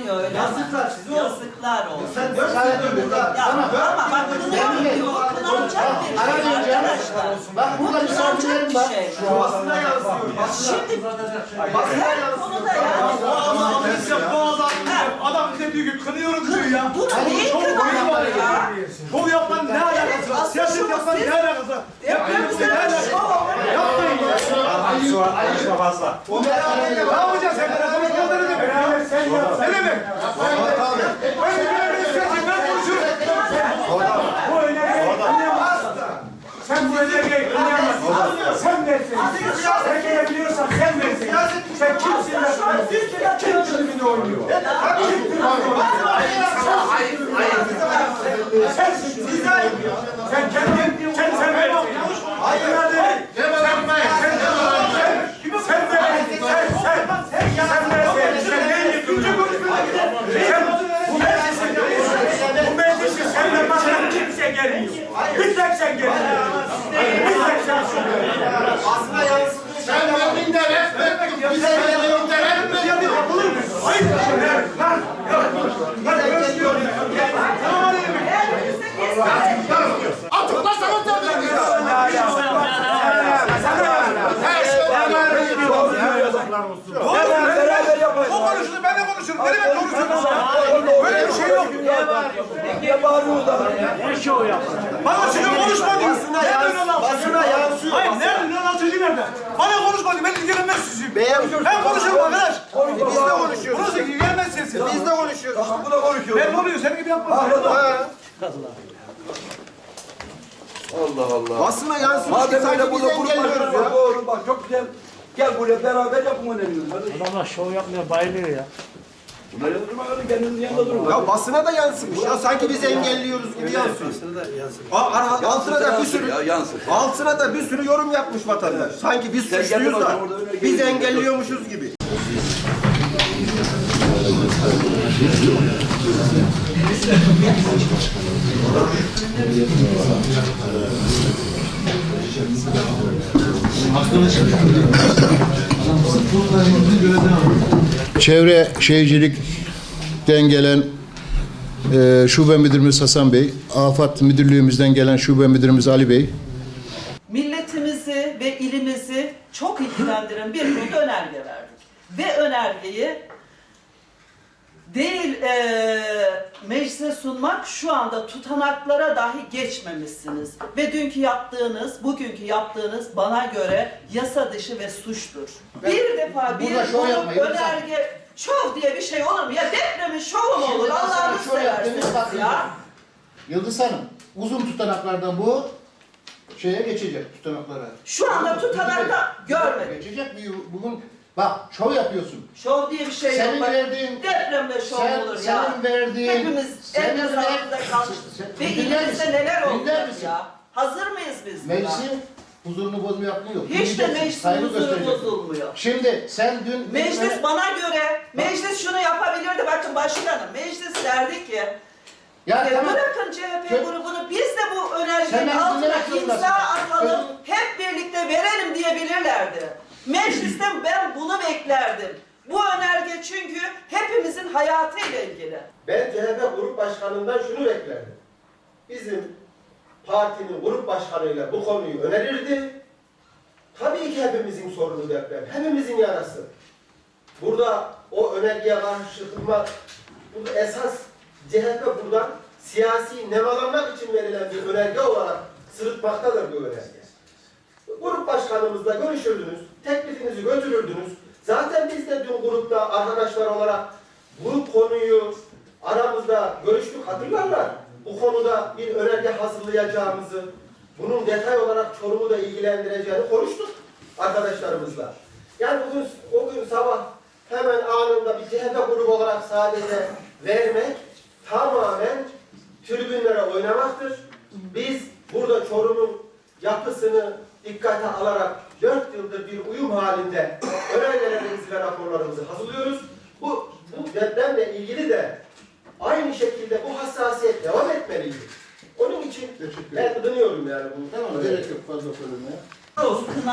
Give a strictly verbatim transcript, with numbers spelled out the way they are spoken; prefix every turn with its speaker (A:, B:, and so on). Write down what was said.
A: niye öyle?
B: Yazıklar size olsun.
A: Yazıklar olsun.
B: Sen dört senedir burada.
A: Ya ama bak kınanmıyor, kınanacak bir şey arkadaşlar.
C: Bak burada misafirlerim var.
A: Şey.
B: Basına yansıyor.
A: Şimdi
B: Basına
A: her
B: yansıyor.
A: konuda yani.
B: Bu adam adam bize diyor ki kınıyorum diyor ya.
A: Bunu neyi kınanıyor ya?
B: Şov yapmanın ne alakası var? Siyaset yapmanın ne alakası var?
A: Depremizde şov.
B: Yapmayın ya.
D: Konuşma fazla.
B: Ne yapacaksın sen? Ben konuşma ne demek? Ne demek? Ben de böyle bir siyaset ben konuşurum. Bu önergeyi kınayamazsın. Sen bu önergeyi kınayamazsın. Sen versin. Sen gelebiliyorsan sen versin. Sen kimsin lan? Kim tribünü oynuyor? Kim tribünü oynuyor? Sensin. Sen kendin, sen sen versin. Hayır. Sen sen sen sen versin. Sen sen sen versin. Sen neyi yıkıyorsun? Sen bu meclisin. Bu meclisin seninle başka kimse gelmiyor. Bir tek sen geliyorsun. Bir tek sen geliyorsun.
C: Aslında yansıdı. Sen verdin de ref bize veriyorsun da ref mi?
B: Yapılır mı? Hayır. Lan. Lan özlüyorum. Tamam
C: Atıkla sana tabii.
B: beraber yapalım. O konuştu, ben de konuşurum. Ne demek konuşuyorsunuz? Böyle bir şey yok.
E: Ne bağırıyorlar?
D: Ne şov yaptın?
B: Bana şimdi konuşma diyor.
C: Basına basına yansıyor.
B: Hayır, nerede? Lan altıncı nerede? Bana konuşma diyor. Ben ilgilenmez sizin. Ben konuşurum arkadaş.
C: Biz de konuşuyoruz.
B: Burası ilgilenmez sensin.
C: Biz de konuşuyoruz.
E: Bu da konuşuyor.
B: Ben oluyor, senin gibi yapma.
C: Allah Allah. Basına yansıyor.
E: Madem
C: Sanki
E: öyle
C: biz
E: burada grup
C: engelliyoruz
E: başkanı var,
C: ya.
E: doğru bak çok güzel. Gel buraya beraber yapın önerinizi.
D: Adamlar şov yapmaya bayılıyor ya.
E: Bunlar yanında durma kadın kendinizin yanında durun.
C: Ya basına da yansımış ya. Sanki biz engelliyoruz gibi yansıyor. Aa, ara- Altına da bir sürü altına da bir sürü yorum yapmış vatandaş. Sanki biz
E: Sen
C: suçluyuz
E: geldin
C: da
E: hocam, orada önerge
C: biz
E: yazıyor.
C: engelliyormuşuz gibi.
F: Çevre Şehircilik'ten gelen e, Şube Müdürümüz Hasan Bey, Afat Müdürlüğümüzden gelen Şube Müdürümüz Ali Bey.
A: Milletimizi ve ilimizi çok ilgilendiren bir konuda önerge verdik. Ve önergeyi değil e, meclise sunmak, şu anda tutanaklara dahi geçmemişsiniz. Ve dünkü yaptığınız, bugünkü yaptığınız bana göre yasa dışı ve suçtur.
C: Ben-
A: bir defa bir
C: Burada şov
A: grup
C: yapmayın,
A: önerge, şov diye bir şey olur mu? Ya depremin şovu mu olur?
C: Şimdi ben sana
A: Allah'ını
C: şov yaptığınız
A: seversiniz
C: bakın.
A: ya.
C: Yıldız Hanım, uzun tutanaklardan bu şeye geçecek tutanaklara.
A: Şu anda tutanakta görmedik.
C: Geçecek bu- bugün bak şov yapıyorsun.
A: Şov diye bir şey
C: Senin
A: yok. Bak,
C: verdiğin-
A: depremde şov
C: sen-
A: olur ya.
C: senin verdiğin-
A: Hepimiz
C: senin
A: elimiz
C: ver-
A: altında kalmış.
C: sen-
A: Ve
C: dinler
A: ilimizde
C: misin?
A: neler
C: Dinler
A: olacak
C: misin?
A: ya? Hazır mıyız biz buna?
C: Meclisin huzurunu bozma yapmıyor.
A: Hiç de
C: Dinleyeceksin,
A: meclisin
C: saygı
A: huzuru
C: göstereceksin.
A: bozulmuyor.
C: Şimdi sen dün...
A: Meclis bana göre, meclis şunu yapabilirdi. Bakın başkanım, meclis derdi ki,
C: Ya
A: e,
C: tamam.
A: bırakın C H P
C: Kö-
A: grubunu, biz de bu
C: Sen
A: önergenin
C: beni
A: altına
C: dinlemek zorundasın.
A: imza atalım,
C: Özür-
A: hep birlikte verelim diyebilirlerdi. Meclisten ben bunu beklerdim. Bu önerge çünkü hepimizin hayatıyla ilgili.
G: Ben C H P Grup Başkanı'ndan şunu beklerdim. Bizim partinin grup başkanıyla bu konuyu önerirdi. Tabii ki hepimizin sorunu deprem, hepimizin yarası. Burada o önergeye karşı çıkılmak, burada esas C H P buradan siyasi nemalanmak için verilen bir önerge olarak sırıtmaktadır bu önerge. Grup başkanımızla görüşürdünüz, teklifinizi götürürdünüz. Zaten biz de dün grupta arkadaşlar olarak bu konuyu aramızda görüştük, hatırlarlar. Bu konuda bir önerge hazırlayacağımızı, bunun detay olarak Çorum'u da ilgilendireceğini konuştuk arkadaşlarımızla. Yani bugün, o gün sabah hemen anında bir C H P grubu olarak sadece vermek tamamen tribünlere oynamaktır. Biz burada Çorum'un yapısını dikkate alarak dört yıldır bir uyum halinde önergelerimizi ve raporlarımızı hazırlıyoruz. Bu, bu depremle ilgili de aynı şekilde bu hassasiyet devam etmeliydi. Onun için ben kınıyorum yani bunu.
C: Tamam, gerek yok fazla söylemeye.
A: Olsun.